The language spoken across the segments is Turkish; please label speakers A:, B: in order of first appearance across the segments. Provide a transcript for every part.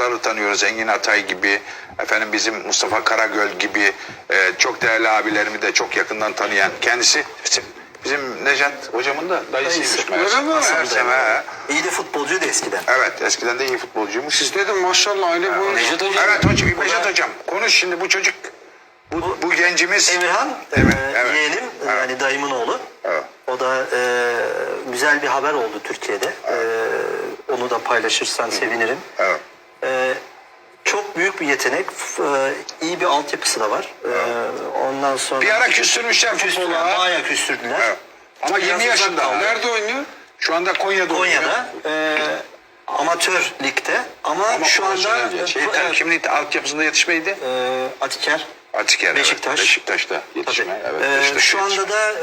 A: futbolcuları tanıyoruz. Engin Atay gibi, efendim bizim Mustafa Karagöl gibi çok değerli abilerimi de çok yakından tanıyan kendisi. Bizim Nejat hocamın da dayısıymış.
B: Öyle mi?
C: İyi de futbolcuydu eskiden.
A: Evet, eskiden de iyi futbolcuymuş.
B: Siz dedim maşallah aile boyu.
D: Nejat Hocam.
A: Evet hocam, Nejat hocam. Konuş şimdi bu çocuk. Bu gencimiz.
C: Emirhan,
A: evet.
C: yeğenim, yani dayımın oğlu.
A: Evet.
C: O da güzel bir haber oldu Türkiye'de. Onu da paylaşırsan sevinirim.
A: Evet.
C: Çok büyük bir yetenek, iyi bir altyapısı da var. Ondan sonra...
A: Bir ara küstürmüşler futbola.
C: Bayağı küstürdüler.
A: Evet. Ama 20 yaşında.
B: Nerede oynuyor?
A: Şu anda Konya'da oynuyor.
C: Konya'da amatör ligde ama şu anda
A: kimlik altyapısında yetişmeydi.
C: Atiker,
A: Atiker,
C: Beşiktaş.
A: Evet. Beşiktaş'ta yetişme. Evet, Beşiktaş'ta
C: şu anda
A: yetişme.
C: da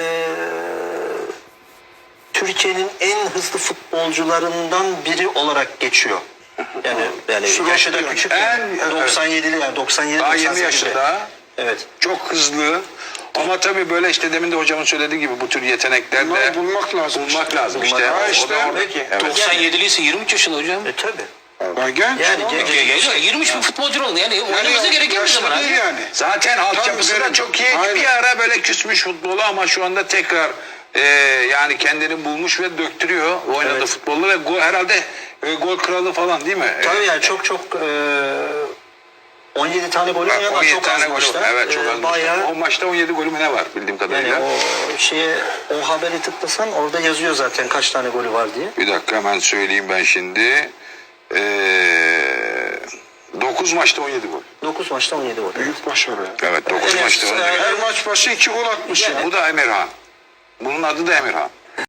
C: Türkiye'nin en hızlı futbolcularından biri olarak geçiyor. Yani yaşı da küçük.
A: En-
C: 97'li yani 97
A: Daha 20
C: 98'li.
A: yaşında.
C: Evet.
A: Çok hızlı. Ama tabii böyle işte demin de hocamın söylediği gibi bu tür yetenekler de
B: Bunları bulmak lazım.
A: bulmak lazım işte.
B: Ha
A: O
B: işte.
A: da oradaki. Evet.
D: 97'li ise 23 yaşında hocam.
C: Tabii.
B: Ha, genç.
C: Yani
B: oğlum.
C: genç.
D: 23 bir futbolcu oldu. Yani oynaması gereken bir
B: yaşlı
D: zaman
B: değil
D: abi.
B: yani.
A: Zaten altyapısı
B: Tabii,
A: da çok iyi.
B: aynen.
A: Bir ara böyle küsmüş futbolu ama şu anda tekrar yani kendini bulmuş ve döktürüyor. Oynadı
C: Evet.
A: futbolu ve herhalde gol kralı falan değil mi?
C: Tabii yani çok 17 tane golü oynayan
A: 17
C: çok
A: tane
C: az
A: golü.
C: maçta.
A: Evet çok az.
C: Bayağı
A: O maçta 17 golü mü ne var bildiğim kadarıyla.
C: yani o haberi tıklasan orada yazıyor zaten kaç tane golü var diye.
A: Bir dakika hemen söyleyeyim ben şimdi. 9 maçta 17 gol.
C: 9 maçta 17 gol.
B: Büyük başarı.
A: Evet 9
C: Evet,
A: maçta 17 gol.
B: Her maç başı 2 gol atmış.
A: Bu da Emirhan. Bunun adı da Emirhan.